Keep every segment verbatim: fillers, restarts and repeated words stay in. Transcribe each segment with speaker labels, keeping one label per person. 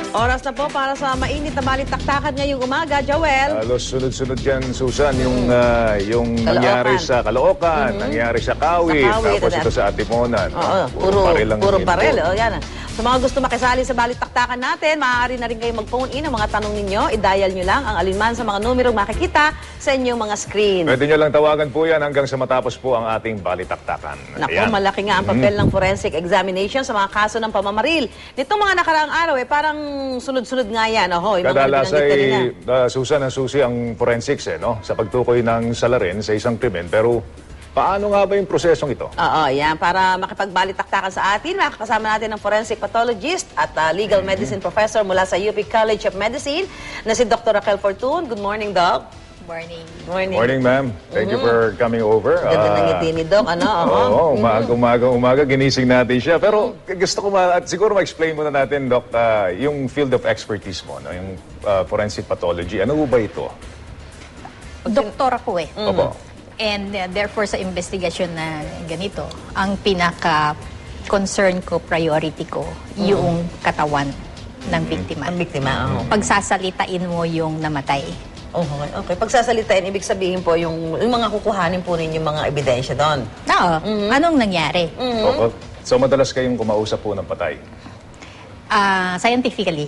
Speaker 1: Oras na po para sa mainit na balitaktakan ngayong umaga, Joel.
Speaker 2: Halos sunod-sunod yan, Susan, yung, uh, yung nangyari sa Caloocan, mm-hmm. nangyari sa Kawit,
Speaker 1: sa Kawit
Speaker 2: tapos ito sa Atiponan.
Speaker 1: Oo, oh, puro, puro, puro barel. Oh, yan. Sa mga gusto makisali sa balitaktakan natin, maaari na rin kayo mag-phone in ang mga tanong ninyo. I-dial nyo lang ang alinman sa mga numerong makikita sa inyong mga screen.
Speaker 2: Pwede nyo lang tawagan po yan hanggang sa matapos po ang ating balitaktakan.
Speaker 1: Naku, Ayan. malaki nga ang papel mm-hmm. ng forensic examination sa mga kaso ng pamamaril. Nitong mga nakaraang araw, eh, parang sunod-sunod nga yan. Oh,
Speaker 2: Kadalas ay uh, Susan ang susi ang forensics eh, no? Sa pagtukoy ng salarin sa isang krimen. Pero paano nga ba yung prosesong ito?
Speaker 1: Oo, yan. Para makipagbalitaktakan sa atin, makakasama natin ng forensic pathologist at uh, legal mm-hmm. medicine professor mula sa U P College of Medicine na si Doctor Raquel Fortun. Good morning, Doc.
Speaker 3: Morning.
Speaker 1: Morning.
Speaker 2: Morning, ma'am. Thank mm-hmm. you for coming over.
Speaker 1: Ganda uh, ng ngiti ni Doc, ano? Oo,
Speaker 2: oh, umaga, umaga, umaga, ginising natin siya. Pero gusto ko ma, at siguro ma-explain muna natin, Doc, uh, yung field of expertise mo, no? Yung uh, forensic pathology. Ano ba ito?
Speaker 3: Doktor ako eh.
Speaker 2: Mm-hmm. Opo.
Speaker 3: And uh, therefore sa investigasyon na ganito, ang pinaka-concern ko, priority ko, mm-hmm. yung katawan ng biktima.
Speaker 1: Ang biktima, oo.
Speaker 3: Pagsasalitain mo yung namatay.
Speaker 1: Oh, okay, okay. Pagsasalitain, ibig sabihin po yung, yung mga kukuhanin po ninyo mga ebidensya doon.
Speaker 3: Oo. Mm-hmm. Anong nangyari?
Speaker 1: Mm-hmm.
Speaker 2: Opo. So madalas kayong kumausap po ng patay?
Speaker 3: Uh, scientifically.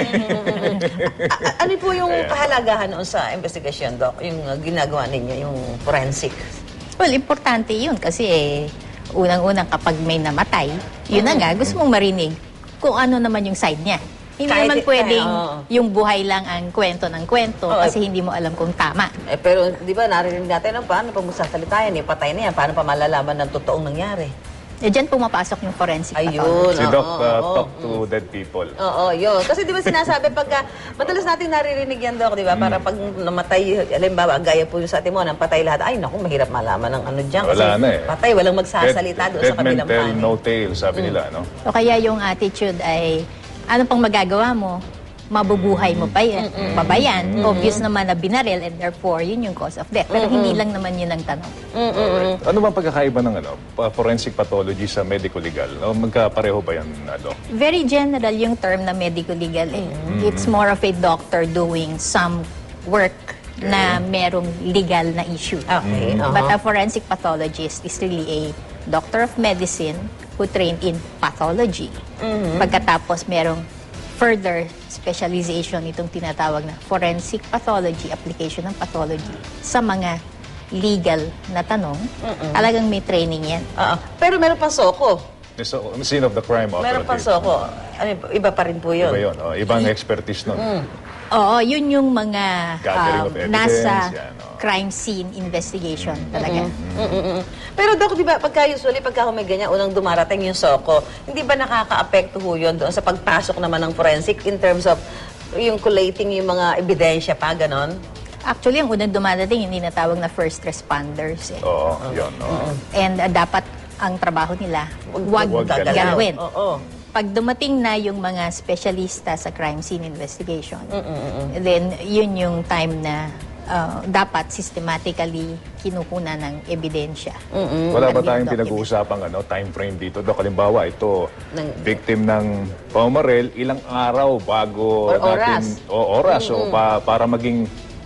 Speaker 1: Ano po yung kahalagahan noon sa investigasyon, Doc? Yung uh, ginagawa ninyo, yung forensic?
Speaker 3: Well, importante yun kasi eh, unang-unang kapag may namatay, yun na nga, gusto mong marinig kung ano naman yung side niya. Hindi
Speaker 1: Kahit,
Speaker 3: naman pwedeng
Speaker 1: kaya, oh.
Speaker 3: yung buhay lang ang kwento ng kwento
Speaker 1: oh,
Speaker 3: kasi hindi mo alam kung tama.
Speaker 1: Eh, pero di ba narinig natin ang paano pag magsasalita yan, eh, patay na yan, paano pa malalaman ng totoong nangyari?
Speaker 3: Eh, dyan pumapasok yung forensic
Speaker 1: Ayun,
Speaker 3: pathology.
Speaker 2: Si Doc,
Speaker 1: oh,
Speaker 2: uh,
Speaker 1: oh,
Speaker 2: talk
Speaker 1: oh.
Speaker 2: to dead people.
Speaker 1: Oo, yun. Kasi di ba sinasabi pagka, madalas natin naririnig yan, Doc, di ba? Para pag namatay, alimbawa, gaya po yung sa atin mo, nang patay lahat, ay naku, mahirap malaman ng ano dyan. Kasi
Speaker 2: Wala na eh.
Speaker 1: patay, walang magsasalita doon sa kabilang
Speaker 2: Dead men tell
Speaker 1: panig.
Speaker 2: no tale, sabi mm. nila, no?
Speaker 3: So, kaya yung attitude ay, ano pang magagawa mo? Mabubuhay mo pa yan, mm-mm. pa ba yan? Mm-mm. Obvious naman na binaril and therefore, yun yung cause of death. Pero mm-mm. hindi lang naman yun ang tanong.
Speaker 2: Right. Ano bang pagkakaiba ng ano, forensic pathology sa medico-legal? O magkapareho ba yan, Doc?
Speaker 3: Very general yung term na medico-legal. Eh. Mm-hmm. It's more of a doctor doing some work okay. na merong legal na issue.
Speaker 1: Okay. Uh-huh.
Speaker 3: But a forensic pathologist is really a doctor of medicine who trained in pathology. Mm-hmm. Pagkatapos merong further specialization itong tinatawag na forensic pathology, application ng pathology sa mga legal na tanong. Mm-mm. Talagang may training yan.
Speaker 1: Uh-uh. Pero meron pa soko.
Speaker 2: So, scene of the crime operative.
Speaker 1: Meron pa soko. Ano, iba pa rin po yun.
Speaker 2: Iba yun. Oh, ibang expertise nun.
Speaker 1: Mm.
Speaker 3: Oo, yun yung mga
Speaker 2: um,
Speaker 3: nasa
Speaker 2: yan, oh.
Speaker 3: crime scene investigation mm-hmm. talaga.
Speaker 1: Mm-hmm. Mm-hmm. Pero Doc, di ba, pagka usually, pagka may ganyan, unang dumarating yung soko, hindi ba nakaka-apekto ho yun doon sa pagpasok naman ng forensic in terms of yung collating yung mga ebidensya pa, ganon?
Speaker 3: Actually, ang unang dumadating, hindi natawag na first responders. Eh.
Speaker 2: Oo, yun. Oh.
Speaker 3: And uh, dapat ang trabaho nila, wag, wag galawin.
Speaker 1: Oo.
Speaker 3: Pag dumating na yung mga specialista sa crime scene investigation,
Speaker 1: Mm-mm.
Speaker 3: then yun yung time na uh, dapat systematically kinukunan ng ebidensya.
Speaker 1: Mm-mm.
Speaker 2: Wala ba tayong pinag-uusapang ano, time frame dito? Doc, halimbawa, ito, ng, victim ng pamamaril, ilang araw bago
Speaker 1: or
Speaker 2: natin...
Speaker 1: Oras.
Speaker 2: O oras. Mm-hmm. O pa, para maging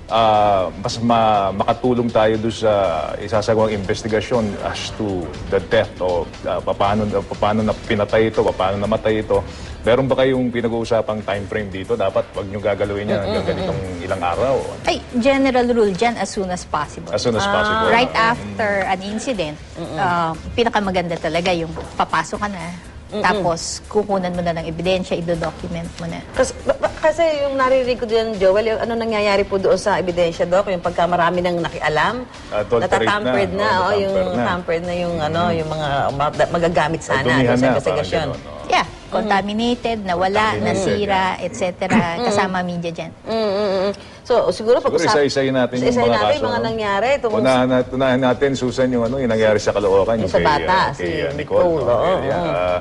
Speaker 2: uh, mas ma makatulong tayo doon sa isasagawang investigasyon as to the death o uh, paano, paano na pinatay ito, paano namatay ito. Meron ba kayong pinag-uusapang time frame dito? Dapat wag nyo gagalawin yan hanggang ganitong ilang araw?
Speaker 3: Ay, general rule dyan, as soon as possible.
Speaker 2: As soon as possible.
Speaker 3: Right after an incident, uh, pinakamaganda talaga yung papasok ka na, Mm-mm. tapos kukunan mo na ng ebidensya, i-document mo na.
Speaker 1: Kasi, kasi yung naririnig ko din, Joel, yung ano nangyayari po doon sa ebidensya, Doc, yung pagka marami nang nakialam,
Speaker 2: uh,
Speaker 1: natatampered na,
Speaker 2: na,
Speaker 1: oh,
Speaker 2: oh,
Speaker 1: yung
Speaker 2: na.
Speaker 1: tampered na yung, mm-hmm. ano, yung mga magagamit sana
Speaker 2: doon
Speaker 1: sa investigasyon.
Speaker 3: Yeah, contaminated, nawala, nasira, et cetera. Kasama media dyan.
Speaker 1: Mm-hmm. So, siguro pag
Speaker 2: siguro isa-isayin natin yung mga
Speaker 1: natin,
Speaker 2: kaso.
Speaker 1: mga
Speaker 2: no?
Speaker 1: nangyari.
Speaker 2: Unahan, nat unahan natin, Susan, yung, ano, yung nangyari sa Caloocan.
Speaker 1: Yung,
Speaker 2: yung
Speaker 1: sa
Speaker 2: kay,
Speaker 1: bata,
Speaker 2: uh,
Speaker 1: si
Speaker 2: kay, uh,
Speaker 1: Nicole.
Speaker 2: Nicole. No?
Speaker 1: Oh,
Speaker 2: yeah.
Speaker 1: oh.
Speaker 2: uh,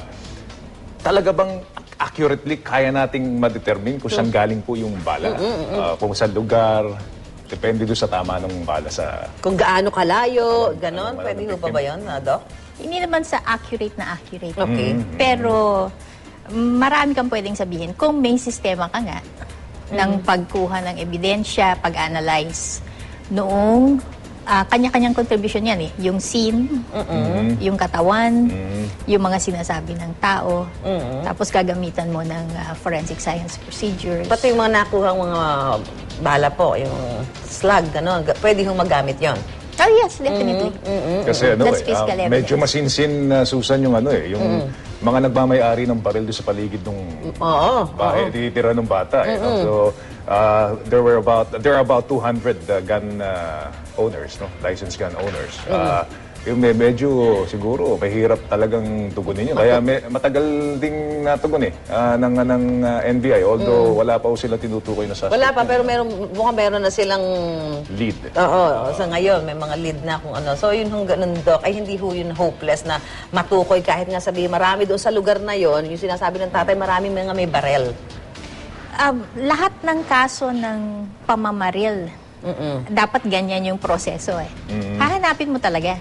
Speaker 2: talaga bang accurately kaya nating ma-determine kung saan galing po yung bala?
Speaker 1: Mm-hmm.
Speaker 2: Uh, kung saan lugar? Depende doon sa tama ng bala sa...
Speaker 1: Kung gaano kalayo, ganon.
Speaker 2: Ano,
Speaker 1: Pwede ho pa ba yun, Doc?
Speaker 3: Hindi naman sa accurate na accurate.
Speaker 1: Okay.
Speaker 3: Pero Marami kang pwedeng sabihin. Kung may sistema ka nga ng pagkuha ng ebidensya, pag-analyze, noong ah, kanya-kanyang contribution yan eh. Yung scene, yung katawan, yung mga sinasabi ng tao, tapos gagamitan mo ng ah, forensic science procedures.
Speaker 1: Pati yung mga nakuhang mga bala po, yung slug, gano'n, ga- pwede hong magamit yon.
Speaker 3: Oh yes, definitely.
Speaker 2: Kasi ano
Speaker 3: That's
Speaker 2: eh,
Speaker 3: physical
Speaker 2: ah, medyo
Speaker 3: evidence.
Speaker 2: masinsin na Susan yung ano eh, yung mga nagmamayari ng baril doon sa paligid ng
Speaker 1: Oo.
Speaker 2: bahay, titira ng bata. Eh, no? So, uh, there were about there are about two hundred uh, gun uh, owners, no, licensed gun owners. Uh, yung may medyo siguro mahirap talagang tugunin yun. Kaya may, matagal ding natugon eh ah, ng ng uh, N B I, although wala pa po sila tinutukoy na suspect.
Speaker 1: Wala pa, pero meron, mukhang meron na silang
Speaker 2: Lead.
Speaker 1: Oo, sa ngayon may mga lead na kung ano. So yun hong ganun, Doc, ay hindi ho yun hopeless na matukoy kahit nga sabi marami doon sa lugar na yon, yung sinasabi ng tatay, marami mga may barel.
Speaker 3: Um, lahat ng kaso ng pamamaril, dapat ganyan yung proseso eh. Hahanapin mo talaga.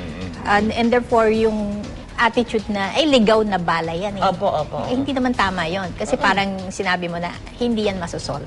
Speaker 3: And, and therefore, yung attitude na, ay, ligaw na bala yan eh.
Speaker 1: Opo, opo.
Speaker 3: Eh, hindi naman tama yon. Kasi parang sinabi mo na, hindi yan masosolve.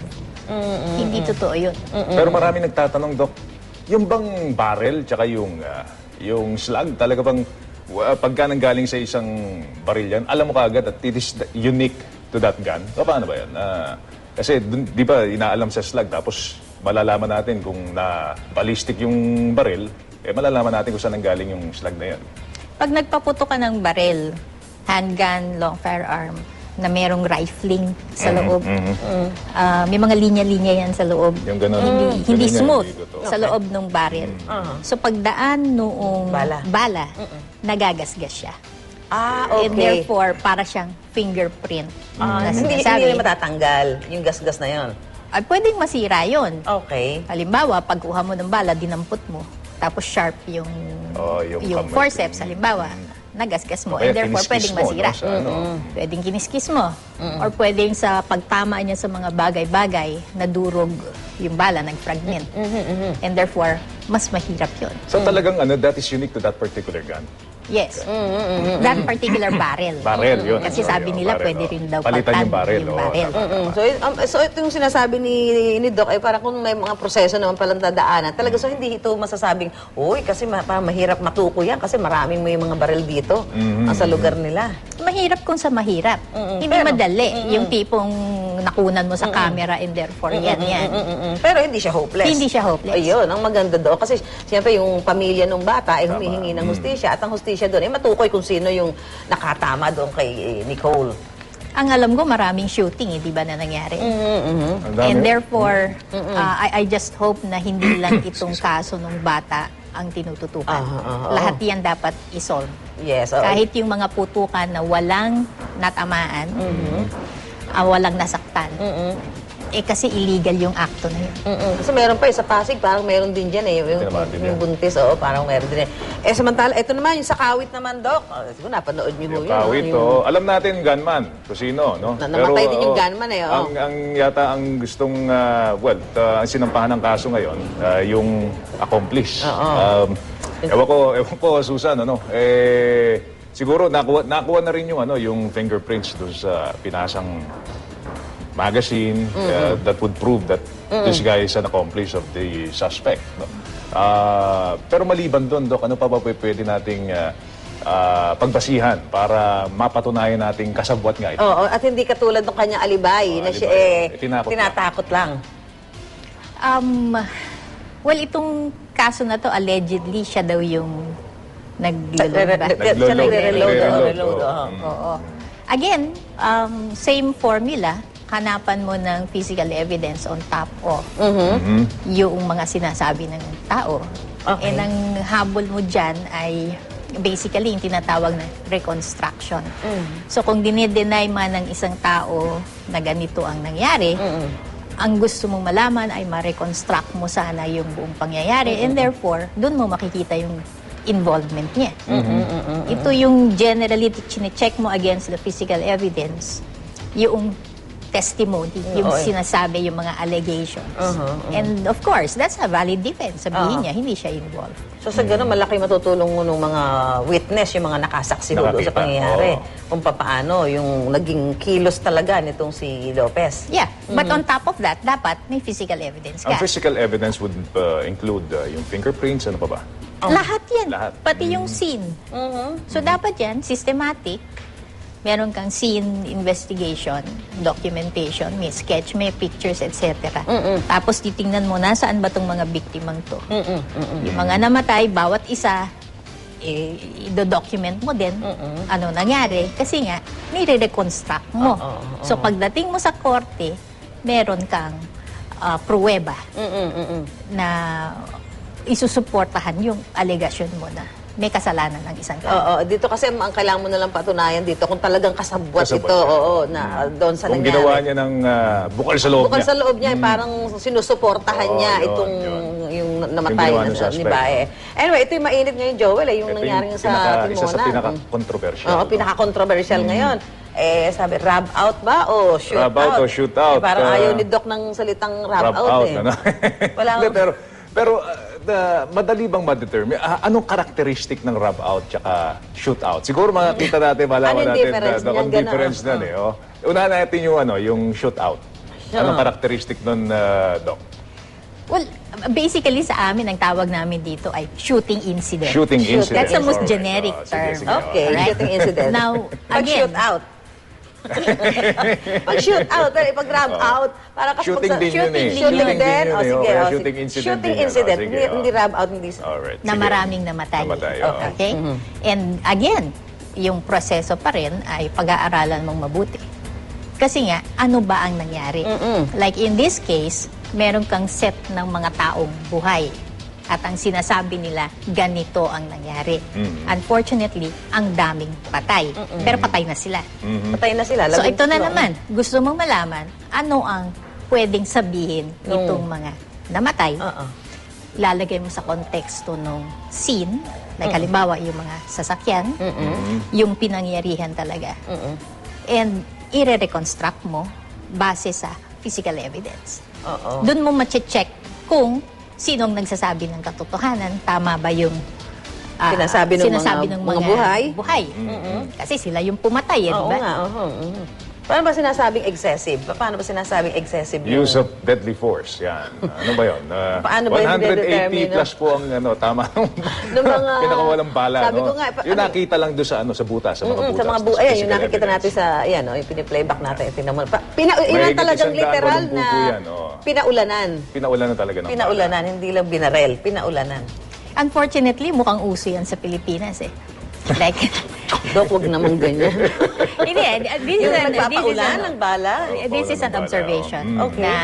Speaker 3: Hindi totoo yun.
Speaker 2: Pero marami nagtatanong, Doc, yung bang barrel tsaka yung ah, yung slug, talaga bang uh, pagka nanggaling sa isang baril yan, alam mo kaagad at it is the- unique to that gun? O paano ba yan? Ah, kasi dun, di ba inaalam sa slug, tapos malalaman natin kung na ballistic yung baril, eh malalaman natin kung saan nanggaling yung slug na yan.
Speaker 3: Pag nagpaputo ka ng baril, handgun, long firearm, na merong rifling sa loob, ah, may mga linya-linya yan sa loob.
Speaker 2: Yung ganun.
Speaker 3: Hindi,
Speaker 2: Mm.
Speaker 3: hindi
Speaker 2: Ganun yan,
Speaker 3: smooth
Speaker 2: hindi totoo.
Speaker 3: sa loob ng baril. So pagdaan noong
Speaker 1: Bala.
Speaker 3: bala, nagagasgas siya.
Speaker 1: Ah,
Speaker 3: And therefore, para siyang fingerprint
Speaker 1: Ah,
Speaker 3: na
Speaker 1: hindi,
Speaker 3: sinasabi.
Speaker 1: hindi na matatanggal yung gasgas na yon.
Speaker 3: Ay, pwedeng masira yon.
Speaker 1: Okay.
Speaker 3: Halimbawa, pagkuha mo ng bala, dinampot mo, tapos sharp yung,
Speaker 2: Oh, yung
Speaker 3: yung
Speaker 2: kamay.
Speaker 3: forceps, halimbawa, nagasgas mo.
Speaker 2: O kaya
Speaker 3: And therefore,
Speaker 2: kiniskis
Speaker 3: pwedeng
Speaker 2: mo,
Speaker 3: masira.
Speaker 2: no, sa ano.
Speaker 3: Pwedeng kiniskis mo. Or pwedeng sa pagtama niya sa mga bagay-bagay, nadurog yung bala, nag-fragment. And therefore, mas mahirap yun.
Speaker 2: So talagang ano, that is unique to that particular gun.
Speaker 3: Yes. That particular barrel.
Speaker 2: Barrel, yun.
Speaker 3: Kasi
Speaker 2: Sorry,
Speaker 3: sabi
Speaker 2: oh,
Speaker 3: nila,
Speaker 2: barrel,
Speaker 3: pwede
Speaker 2: oh.
Speaker 3: rin daw
Speaker 2: Palitan
Speaker 3: pagtag
Speaker 2: yung barrel,
Speaker 3: yung
Speaker 2: oh,
Speaker 3: barrel.
Speaker 2: tama.
Speaker 1: Mm. So, it- um, so ito yung sinasabi ni, ni Doc, ay parang kung may mga proseso naman palang dadaanan, talaga so hindi ito masasabing, uy, kasi ma- parang mahirap matuko yan kasi maraming may mga baril dito ang sa lugar nila.
Speaker 3: Mahirap kung sa mahirap. Hindi
Speaker 1: Pero-
Speaker 3: madali. Yung tipong nakunan mo sa camera and therefore yan, yan.
Speaker 1: Mm-mm. Pero hindi siya hopeless.
Speaker 3: Hindi siya hopeless.
Speaker 1: Ayun, ang maganda doon. Kasi siyempre yung pamilya ng bata ay humihingi ng hustisya at ang hustisya doon ay matukoy kung sino yung nakatama doon kay eh, Nicole.
Speaker 3: Ang alam ko, maraming shooting, eh, di ba, na nangyari?
Speaker 2: Ang dami.
Speaker 3: And therefore, uh, I, I just hope na hindi lang itong kaso ng bata ang tinututukan.
Speaker 1: Ah, ah, ah,
Speaker 3: Lahat yan dapat isolve.
Speaker 1: Yes. oo.
Speaker 3: Kahit yung mga putukan na walang natamaan, ah, walang nasaktan, eh kasi illegal yung akto na yun.
Speaker 1: Mm-mm. Kasi meron pa eh, sa Pasig, parang meron din dyan eh. Yung,
Speaker 2: Tinamaan din
Speaker 1: yung
Speaker 2: yan.
Speaker 1: buntis, oo, parang meron din eh. Eh, samantala, ito naman, yung sa Kawit naman, Doc. Oh, siguro napanood niyo
Speaker 2: Yung
Speaker 1: ho yun.
Speaker 2: kawit,
Speaker 1: Yung-
Speaker 2: oh. Alam natin, gunman, kung sino, no?
Speaker 1: Na- namatay din yung
Speaker 2: oh,
Speaker 1: gunman eh, oh.
Speaker 2: Ang, ang yata ang gustong, ah, well, ah, ang sinampahan ng kaso ngayon, ah, yung accomplice. Um, ewan ko, ewan ko, Susan, ano, eh, siguro nakuha, nakuha na rin yung, ano, yung fingerprints doon sa pinasang magazine uh, that would prove that this guy is an accomplice of the suspect. No? Ah, pero maliban doon, Dok, ano pa ba pwede nating ah, ah, pagbasihan para mapatunayan nating kasabwat nga ito?
Speaker 1: Oo, at hindi katulad ng kanyang alibay
Speaker 2: Oh,
Speaker 1: na siya
Speaker 2: alibay.
Speaker 1: eh,
Speaker 2: Eh, tinakot
Speaker 1: tinatakot lang.
Speaker 3: Um, well, itong kaso na to, allegedly, siya daw yung nag-load ba?
Speaker 1: Siya
Speaker 2: Naglo-load.
Speaker 1: nagre-reload. oo,
Speaker 2: Nagre-reload,
Speaker 1: reload,
Speaker 2: oo.
Speaker 1: oo.
Speaker 3: Oo. Again, um, same formula. Hanapan mo ng physical evidence on top of yung mga sinasabi ng tao.
Speaker 1: Okay.
Speaker 3: And ang habol mo dyan ay basically yung tinatawag na reconstruction. So kung dinideny man ng isang tao na ganito ang nangyari, ang gusto mong malaman ay ma-reconstruct mo sana yung buong pangyayari and therefore, dun mo makikita yung involvement niya. Ito yung generally chine-check mo against the physical evidence, yung testimony, yung
Speaker 1: Oo, eh.
Speaker 3: sinasabi, yung mga allegations.
Speaker 1: Uh-huh, uh-huh.
Speaker 3: And of course, that's a valid defense. Sabihin
Speaker 1: Uh-huh.
Speaker 3: niya, hindi siya involved.
Speaker 1: So sa ganun, malaki matutulong mo ng mga witness, yung mga nakasaksi ho doon sa
Speaker 2: Nakakita,
Speaker 1: pangyayari.
Speaker 2: oo.
Speaker 1: Kung paano yung naging kilos talaga nitong si Lopez.
Speaker 3: Yeah, but on top of that, dapat may physical evidence
Speaker 2: Ang
Speaker 3: ka.
Speaker 2: physical evidence would uh, include uh, yung fingerprints, ano pa ba?
Speaker 3: Lahat yan.
Speaker 2: Lahat.
Speaker 3: Pati yung scene. So dapat yan, systematic. Meron kang scene investigation, documentation, may sketch, may pictures, et cetera. Tapos titingnan mo, nasaan ba itong mga biktimang to? Yung mga namatay, bawat isa, eh, i-document mo din ano nangyari. Kasi nga, nire-reconstruct mo. So pagdating mo sa korte, meron kang uh, pruweba na isusuportahan yung allegation mo na may kasalanan ng isang tao.
Speaker 1: Oo, dito kasi ang kailangan mo na lang patunayan dito kung talagang kasabwat,
Speaker 2: Kasabwat
Speaker 1: ito,
Speaker 2: siya.
Speaker 1: oo, na uh, doon sa
Speaker 2: Kung
Speaker 1: nangyari.
Speaker 2: ginawa niya ng uh, bukal sa loob
Speaker 1: Bukal
Speaker 2: niya.
Speaker 1: sa loob niya, eh, parang sinusuportahan
Speaker 2: Oo,
Speaker 1: niya
Speaker 2: yun,
Speaker 1: itong
Speaker 2: yun.
Speaker 1: yung namatay
Speaker 2: Yung ginawa
Speaker 1: na
Speaker 2: ng
Speaker 1: sa ni
Speaker 2: suspect.
Speaker 1: Bae. Anyway, ito yung mainit ngayon, Joel, eh, yung
Speaker 2: Ito
Speaker 1: nangyari
Speaker 2: yung
Speaker 1: sa
Speaker 2: pinaka-
Speaker 1: Timonan.
Speaker 2: Isa sa pinaka-controversial.
Speaker 1: Oo, pinaka-controversial ngayon. Eh, sabi, rub out ba o shoot
Speaker 2: Rub out
Speaker 1: out?
Speaker 2: o shoot out,
Speaker 1: Eh, parang
Speaker 2: uh,
Speaker 1: ayaw ni Doc ng salitang rub,
Speaker 2: Rub
Speaker 1: out,
Speaker 2: out,
Speaker 1: eh.
Speaker 2: ano?
Speaker 1: Wala
Speaker 2: Hindi, pero, pero uh, the, madali bang ma-determine? Ah, anong karakteristic ng rub out tsaka shoot out? Siguro makakita natin, malaman
Speaker 1: Anong
Speaker 2: natin
Speaker 1: difference
Speaker 2: na, na
Speaker 1: niyan,
Speaker 2: kung difference
Speaker 1: gano'n?
Speaker 2: nun eh. Oh. Unahan natin yung, ano, yung shoot out. Anong karakteristic nun, uh, Doc?
Speaker 3: Well, basically sa amin, ang tawag namin dito ay shooting incident.
Speaker 2: Shooting
Speaker 1: Shoot.
Speaker 2: incident.
Speaker 3: That's the most
Speaker 2: Alright.
Speaker 3: generic
Speaker 2: Oh, sige,
Speaker 3: term.
Speaker 2: sige,
Speaker 1: Okay,
Speaker 3: Alright?
Speaker 1: shooting incident.
Speaker 3: Now,
Speaker 1: Pag
Speaker 3: again,
Speaker 1: shoot out. Pag shoot out, eh, pag rub out, para kasi
Speaker 2: Shooting
Speaker 1: pag sa-
Speaker 2: din yun eh.
Speaker 1: Shooting
Speaker 2: Shooting
Speaker 1: din.
Speaker 2: din yun
Speaker 1: O
Speaker 2: eh,
Speaker 1: sige,
Speaker 2: o,
Speaker 1: o,
Speaker 2: kaya
Speaker 1: sige.
Speaker 2: shooting incident
Speaker 1: Shooting
Speaker 2: din yun, o,
Speaker 1: incident,
Speaker 2: sige,
Speaker 1: hindi,
Speaker 2: o.
Speaker 1: hindi rub out, hindi.
Speaker 2: Alright.
Speaker 3: na
Speaker 2: sige.
Speaker 3: maraming namatay.
Speaker 2: Namatay, oo.
Speaker 3: Okay? And again, yung proseso pa rin ay pag-aaralan mong mabuti. Kasi nga, ano ba ang nangyari? Like in this case, meron kang set ng mga taong buhay. At ang sinasabi nila, ganito ang nangyari. Unfortunately, ang daming patay. Pero patay na sila.
Speaker 1: Patay na sila.
Speaker 3: So
Speaker 1: labing
Speaker 3: ito na
Speaker 1: tatlo.
Speaker 3: naman, gusto mong malaman, ano ang pwedeng sabihin nitong mga namatay?
Speaker 1: Oo.
Speaker 3: Ilalagay mo sa konteksto ng scene, like halimbawa yung mga sasakyan, yung pinangyarihan talaga. And i-reconstruct mo base sa physical evidence.
Speaker 1: Oo.
Speaker 3: Doon mo mache-check kung sinong nagsasabi ng katotohanan, tama ba yung ah,
Speaker 1: Sinasabi ng
Speaker 3: sinasabi
Speaker 1: mga-
Speaker 3: ng
Speaker 1: mga buhay?
Speaker 3: buhay. Kasi sila yung pumatay, eh, di
Speaker 1: Oo
Speaker 3: ba?
Speaker 1: nga, oo. mhm. Paano ba sinasabing excessive? Paano ba sinasabing excessive? yung-
Speaker 2: Use of deadly force, yan. Ano ba yun? Uh,
Speaker 1: Paano ba yun
Speaker 2: one eighty
Speaker 1: didetermine, no?
Speaker 2: plus po ang ano, tama
Speaker 1: Ng mga-
Speaker 2: pinakawalang bala.
Speaker 1: Sabi
Speaker 2: no?
Speaker 1: ko nga, pa-
Speaker 2: yung
Speaker 1: ano-
Speaker 2: nakita lang doon sa, ano, sa butas, sa mga
Speaker 1: Mm-mm,
Speaker 2: butas.
Speaker 1: sa mga bu
Speaker 2: sa
Speaker 1: ayan, yung
Speaker 2: physical
Speaker 1: nakikita
Speaker 2: evidence.
Speaker 1: natin sa, yan, oh, yung piniplayback natin, tingnan mo. Pa, pina, yun ang
Speaker 2: Mahigit
Speaker 1: talagang
Speaker 2: isang daan
Speaker 1: literal
Speaker 2: walong
Speaker 1: na
Speaker 2: pupo yan, oh.
Speaker 1: pinaulanan.
Speaker 2: Pinaulan na talaga ng
Speaker 1: Pinaulanan, hindi lang binarel, pinaulanan.
Speaker 3: Unfortunately, mukhang uso yan sa Pilipinas eh. Like,
Speaker 1: Dok, wag naman ganyan.
Speaker 3: hindi, this is
Speaker 1: Yung
Speaker 3: an, this is
Speaker 1: nagpapaulan
Speaker 3: an,
Speaker 1: ng bala.
Speaker 3: this is an
Speaker 2: Paulan ng bala,
Speaker 3: observation
Speaker 2: oh. Mm.
Speaker 1: Okay.
Speaker 3: na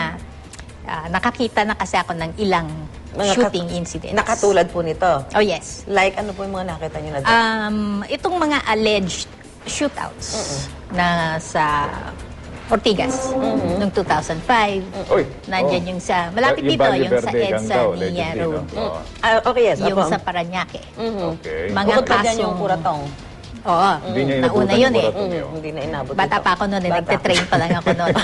Speaker 3: ah, nakakita na kasi ako ng ilang
Speaker 1: Mga
Speaker 3: shooting
Speaker 1: kat-
Speaker 3: incidents.
Speaker 1: Nakatulad po nito.
Speaker 3: Oh yes.
Speaker 1: Like, ano po yung mga nakita nyo na Dok?
Speaker 3: Um, itong mga alleged shootouts na sa Ortigas noong two thousand five.
Speaker 2: Uy,
Speaker 3: Nandyan
Speaker 2: oh.
Speaker 3: yung sa, malapit
Speaker 2: Yung
Speaker 3: dito,
Speaker 2: Valle
Speaker 3: yung sa
Speaker 2: Verde gang
Speaker 3: EDSA
Speaker 2: daw,
Speaker 3: Nia
Speaker 2: allegedly,
Speaker 3: Road.
Speaker 2: no? Oo.
Speaker 1: Ah, okay, yes.
Speaker 3: Yung
Speaker 1: opo.
Speaker 3: sa Paranaque.
Speaker 2: Okay.
Speaker 3: Mga
Speaker 1: Bukod pa dyan
Speaker 3: kasong...
Speaker 1: yung kuratong.
Speaker 3: Oo.
Speaker 2: Hindi niya
Speaker 3: Nauna
Speaker 2: inabutan
Speaker 3: yun
Speaker 2: yung
Speaker 3: eh.
Speaker 2: kuratong
Speaker 1: Mm,
Speaker 2: yun.
Speaker 1: hindi na inabot.
Speaker 3: Bata
Speaker 1: ito.
Speaker 3: pa ako noon, eh.
Speaker 1: Bata.
Speaker 3: Nagte-train pa lang ako noon.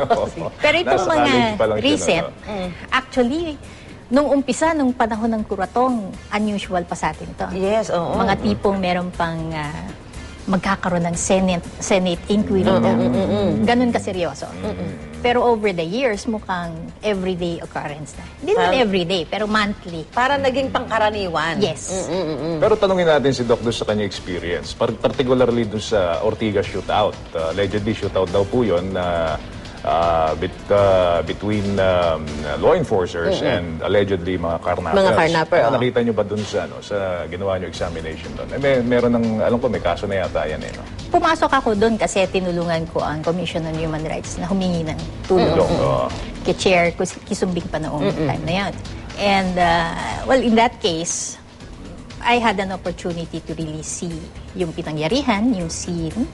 Speaker 3: Pero itong
Speaker 2: Nasa
Speaker 3: mga
Speaker 2: college pa lang siya
Speaker 3: recent,
Speaker 2: nun, no?
Speaker 3: actually, nung umpisa, nung panahon ng kuratong, unusual pa sa atin to.
Speaker 1: Yes, oo.
Speaker 3: Mga tipong meron pang ah, magkakaroon ng Senate, Senate inquiry na. Ganun kaseryoso. Pero over the years, mukhang everyday occurrence na. Hindi naman
Speaker 1: Parang-
Speaker 3: everyday, pero monthly.
Speaker 1: Para naging pangkaraniwan.
Speaker 3: Yes.
Speaker 2: Pero tanungin natin si Doc doon sa kanya experience, par- particularly doon sa Ortigas shootout. Uh, allegedly shootout daw po yun na uh, bit, uh, between um, law enforcers and allegedly mga carnappers.
Speaker 1: Mga carnapper,
Speaker 2: Ano,
Speaker 1: oh.
Speaker 2: nakita nyo ba doon sa, ano, sa ginawa nyo examination doon? Eh, may, meron ng, alam ko, may kaso na yata yan eh. No?
Speaker 3: Pumasok ako doon kasi tinulungan ko ang Commission on Human Rights na humingi ng tulong.
Speaker 2: Tulong, oo.
Speaker 3: Kay Chair Kus- Kisumbing pa noong time na yun. And, uh, well, in that case, I had an opportunity to really see yung pinangyarihan, yung scene,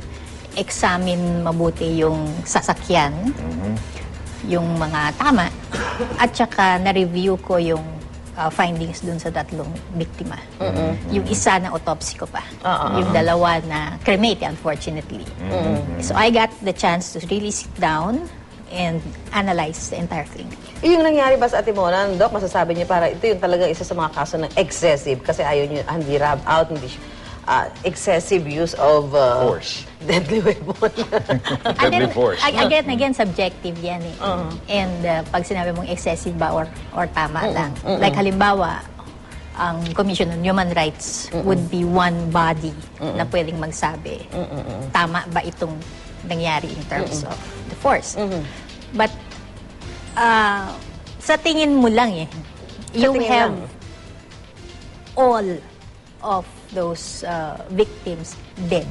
Speaker 3: examine mabuti yung sasakyan, yung mga tama, at saka na-review ko yung uh, findings dun sa tatlong biktima. Yung isa na autopsy ko pa.
Speaker 1: Ah, ah,
Speaker 3: Yung dalawa na cremate, unfortunately. So I got the chance to really sit down and analyze the entire thing.
Speaker 1: Yung nangyari ba sa Atimonan, Doc, masasabi niyo para ito yung talaga isa sa mga kaso ng excessive kasi ayaw niyo, hindi rub out, hindi uh, excessive use of uh,
Speaker 2: Force.
Speaker 1: deadly weapon.
Speaker 2: Deadly force.
Speaker 3: ag- again, again, subjective yan eh. And uh, pag sinabi mong excessive ba or, or tama lang. Like halimbawa, ang Commission on Human Rights would be one body na pwedeng magsabi, tama ba itong nangyari in terms of the force. But, uh, sa tingin mo lang eh, you
Speaker 1: tingin
Speaker 3: have
Speaker 1: lang.
Speaker 3: all of those uh, victims dead.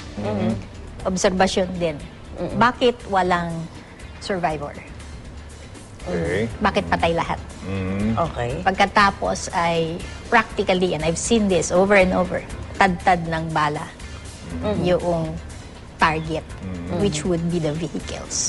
Speaker 3: Obserbasyon din. Bakit walang survivor?
Speaker 2: Okay.
Speaker 3: Bakit patay lahat?
Speaker 1: Okay.
Speaker 3: Pagkatapos ay practically, and I've seen this over and over, tad-tad ng bala yung target, which would be the vehicles.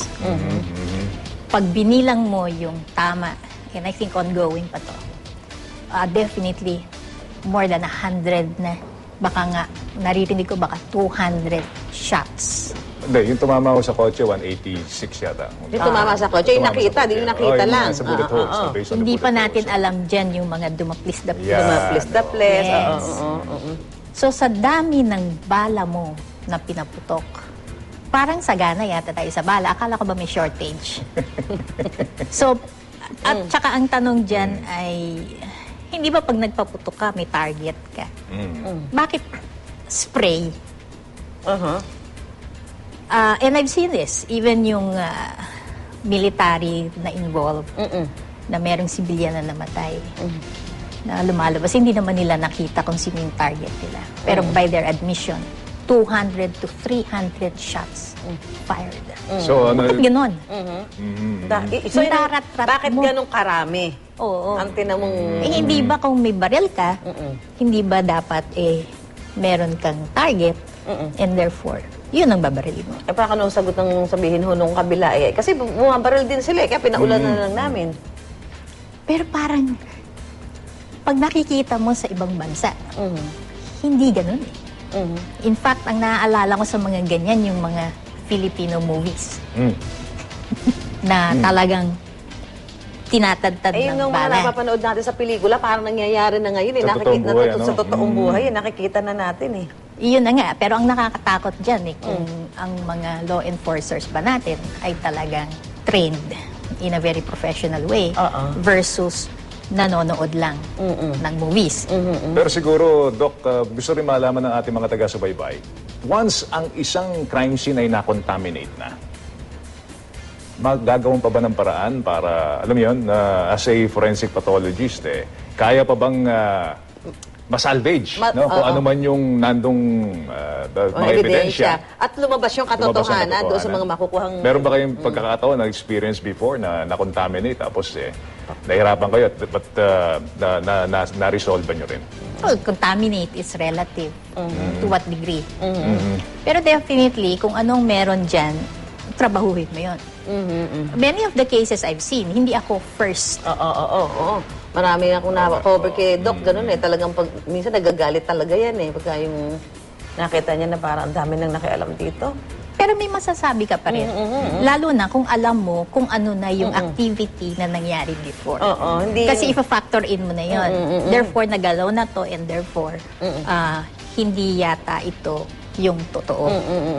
Speaker 3: Pag binilang mo yung tama, and I think ongoing pa to, uh, definitely more than a hundred na, baka nga, naririnig ko baka two hundred shots.
Speaker 2: Hindi, yung tumama ko sa kotse, one eighty-six yata.
Speaker 1: Yung tumama sa kotse, yung
Speaker 2: Tumama sa
Speaker 1: nakita, di yung
Speaker 2: kotse.
Speaker 1: nakita
Speaker 2: Oh,
Speaker 1: lang.
Speaker 2: Sa bullet
Speaker 1: Ah,
Speaker 2: holes.
Speaker 1: ah, ah.
Speaker 2: na based on the
Speaker 3: Hindi pa
Speaker 2: bullet
Speaker 3: natin
Speaker 2: holes.
Speaker 3: alam dyan yung mga dumaplis-daplis.
Speaker 2: Yeah.
Speaker 1: Dumaplis, daples.
Speaker 3: Yes.
Speaker 1: Oo, oo, oo, oo.
Speaker 3: So sa dami ng bala mo na pinaputok, parang sagana yata tayo sa bala. Akala ko ba may shortage? So, at saka ang tanong dyan ay, hindi ba pag nagpaputok ka, may target ka? Bakit spray?
Speaker 1: Uh-huh.
Speaker 3: Uh, and I've seen this, even yung uh, military na involved, na merong sibilyan na namatay, na lumalabas. Hindi naman nila nakita kung sino yung target nila. Pero by their admission, two hundred to three hundred shots fired.
Speaker 2: So, ano,
Speaker 3: Bakit ganon?
Speaker 1: Da- i- so, yun,
Speaker 3: Nararat-rat
Speaker 1: bakit
Speaker 3: mo.
Speaker 1: ganong karami?
Speaker 3: Oo.
Speaker 1: Ang tinamong...
Speaker 3: Eh, hindi ba kung may baril ka, hindi ba dapat eh meron kang target and therefore, yun ang babarilin mo.
Speaker 1: Eh, baka nung sagot ng sabihin ho nung kabila eh. Kasi bumabaril din sila eh, kaya pinaulan na lang namin.
Speaker 3: Pero parang, pag nakikita mo sa ibang bansa, hindi ganun eh. In fact, ang naaalala ko sa mga ganyan, yung mga Filipino movies
Speaker 2: Mm.
Speaker 3: na talagang tinatadtad
Speaker 1: Eh,
Speaker 3: ng
Speaker 1: yung mga
Speaker 3: bala.
Speaker 1: napapanood natin sa pelikula, parang nangyayari na ngayon eh.
Speaker 2: Sa
Speaker 1: Nakikita,
Speaker 2: totoong buhay,
Speaker 1: natut-
Speaker 2: ano?
Speaker 1: Sa totoong
Speaker 2: Mm.
Speaker 1: buhay, eh, nakikita na natin eh.
Speaker 3: Iyon na nga. Pero ang nakakatakot dyan eh, kung ang mga law enforcers ba natin ay talagang trained in a very professional way
Speaker 1: Oo.
Speaker 3: versus nanonood lang ng movies.
Speaker 2: Pero siguro, Doc, uh, gusto rin malaman ng ating mga taga-subaybay, once ang isang crime scene ay na-contaminate na, magagawin pa ba ng paraan para, alam mo yun, na as a forensic pathologist, eh, kaya pa bang uh, masalvage,
Speaker 1: Ma-
Speaker 2: no? Kung
Speaker 1: oo.
Speaker 2: ano man yung nandong uh, the-
Speaker 1: Mga
Speaker 2: mga ebidensya.
Speaker 1: At lumabas yung
Speaker 2: lumabas ang
Speaker 1: katotohanan doon sa
Speaker 2: katotohanan.
Speaker 1: mga makukuhang...
Speaker 2: Meron ba kayong pagkakataon na experience before na na-contaminate tapos eh, nahirapan kayo at but uh, na, na, na, na-resolve nyo rin?
Speaker 3: Well, contaminate is relative to what degree. Pero definitely, kung anong meron dyan, trabahuhin mo yun. Many of the cases I've seen, hindi ako first.
Speaker 1: Oo, oo, oo, oo. Marami akong na-cover kay Doc, ganun eh. Talagang pag, minsan nagagalit talaga yan eh. Pagka yung nakita niya na parang ang dami nang nakialam dito.
Speaker 3: Pero may masasabi ka pa rin. Lalo na kung alam mo kung ano na yung activity na nangyari before.
Speaker 1: Oo, hindi...
Speaker 3: Kasi ifa-factor in mo na yun. Therefore, nagalaw na to and therefore, ah, hindi yata ito yung totoo.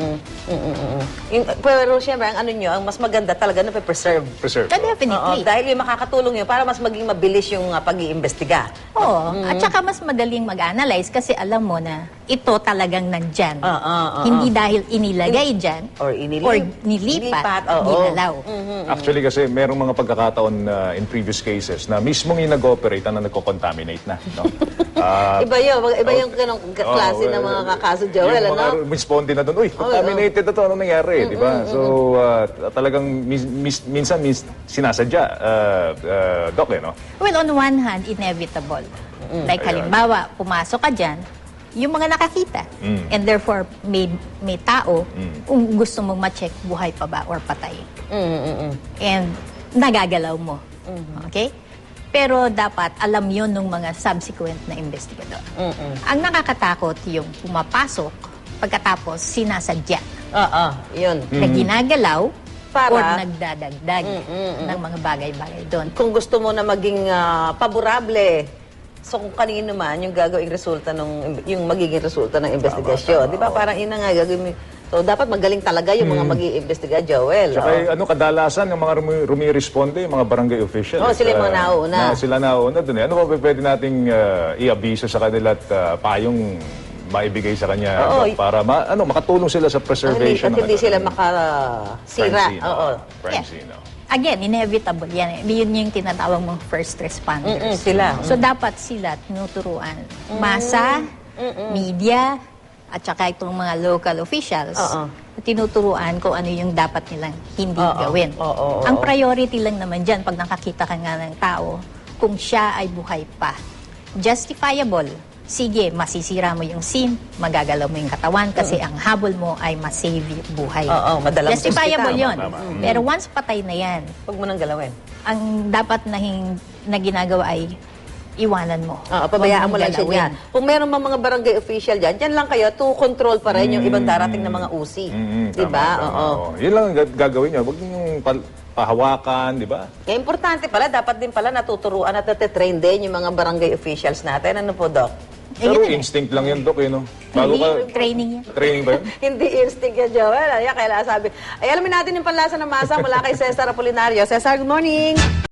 Speaker 1: Yung, pero siyempre, ang ano nyo, ang mas maganda talaga na preserve.
Speaker 2: Preserve.
Speaker 3: Ah, definitely.
Speaker 1: Dahil yung makakatulong yun para mas maging mabilis yung uh, pag-iimbestiga.
Speaker 3: Oo. At saka mas madaling mag-analyze kasi alam mo na ito talagang nandyan.
Speaker 1: Ah, ah, ah,
Speaker 3: Hindi dahil inilagay dyan
Speaker 1: Or inilip-
Speaker 3: or nilipat,
Speaker 1: nilipat, oo.
Speaker 3: ginalaw.
Speaker 2: Actually kasi merong mga pagkakataon uh, in previous cases na mismong yung nag-operate na nagko-contaminate na. No? Ah,
Speaker 1: Iba yun, iba yung ganong klase
Speaker 2: oh,
Speaker 1: ng
Speaker 2: eh,
Speaker 1: mga kakaso, Joel,
Speaker 2: yung
Speaker 1: ano?
Speaker 2: mga responde na doon, uy, contaminated na to, ano nangyari, di ba? So, uh, talagang mis- mis- minsan mis- sinasadya, uh, uh, Doc, eh, no?
Speaker 3: Well, on one hand, inevitable. Like
Speaker 2: Ayan.
Speaker 3: halimbawa, pumasok ka dyan, yung mga nakakita. And therefore, may, may tao, kung gusto mong ma-check buhay pa ba or patay. And nagagalaw mo. Okay? Pero dapat alam yon ng mga subsequent na investigador. Ang nakakatakot yung pumapasok, pagkatapos sinasadya
Speaker 1: Oo, yun.
Speaker 3: na ginagalaw
Speaker 1: Para-
Speaker 3: or nagdadagdag ng mga bagay-bagay doon.
Speaker 1: Kung gusto mo na maging ah, paborable, so kung kanino man yung gagawing resulta ng yung magiging resulta ng investigasyon,
Speaker 2: tama,
Speaker 1: di ba?
Speaker 2: oo.
Speaker 1: Parang ina nga gagawin mo. So dapat magaling talaga yung mga mag-iimbestiga, Joel.
Speaker 2: Tsaka
Speaker 1: oo.
Speaker 2: ano, kadalasan yung mga rumi- rumiresponde, yung mga barangay officials.
Speaker 1: Oo, sila yung mga
Speaker 2: ah,
Speaker 1: nauuna.
Speaker 2: Na, sila nauuna dun. eh. Ano ba pwede nating ah, i-abiso sa kanila at ah, payong maibigay sa kanya
Speaker 1: Oo.
Speaker 2: para ma, ano, makatulong sila sa
Speaker 1: At hindi,
Speaker 2: preservation
Speaker 1: at hindi
Speaker 2: ng-
Speaker 1: sila
Speaker 2: ng
Speaker 1: makasira.
Speaker 2: Francine,
Speaker 1: Oo.
Speaker 2: Francine, oh.
Speaker 3: Again, inevitable yan. eh. Yun yung tinatawag mong first responders.
Speaker 1: Mm-mm, sila.
Speaker 3: So, dapat sila tinuturuan. Masa, media, at saka itong mga local officials,
Speaker 1: Oo.
Speaker 3: tinuturuan kung ano yung dapat nilang hindi
Speaker 1: Oo,
Speaker 3: gawin.
Speaker 1: oo, oo,
Speaker 3: Ang
Speaker 1: oo.
Speaker 3: priority lang naman dyan, pag nakakita ka nga ng tao, kung siya ay buhay pa. Justifiable. Sige, masisira mo yung scene, magagalaw mo yung katawan kasi ang habol mo ay masave yung buhay.
Speaker 1: Oo, madalang
Speaker 3: Justifiable
Speaker 1: hospital.
Speaker 3: yun.
Speaker 2: Tama, tama.
Speaker 3: Pero once patay na yan,
Speaker 1: Huwag mo nang galawin.
Speaker 3: ang dapat na, hing, na ginagawa ay iwanan mo.
Speaker 1: Oo, pabayaan
Speaker 3: Huwag
Speaker 1: mo lang siya
Speaker 3: galawin.
Speaker 1: dyan. Kung meron mga mga barangay official dyan, dyan lang kayo to control pa rin yung ibang darating na mga usi.
Speaker 2: Mm,
Speaker 1: Di ba?
Speaker 2: tama, tama,
Speaker 1: Oo.
Speaker 2: oo. Yun lang ang gag- gagawin niya. Huwag yung pal- pahawakan, di ba?
Speaker 1: Kaya importante pala, dapat din pala natuturuan at natitrain din yung mga barangay officials natin. Ano po, Doc?
Speaker 3: Eh,
Speaker 2: Pero
Speaker 3: yun eh.
Speaker 2: instinct lang yun, Dok, eh, no? Bago
Speaker 3: Hindi,
Speaker 2: ka...
Speaker 3: training yan.
Speaker 2: Training ba yun?
Speaker 1: Hindi instinct yan, Joel. Ay, kailangan sabi. Ay, alamin natin yung panlasa ng masa mula kay Cesar Apolinario. Cesar, good morning!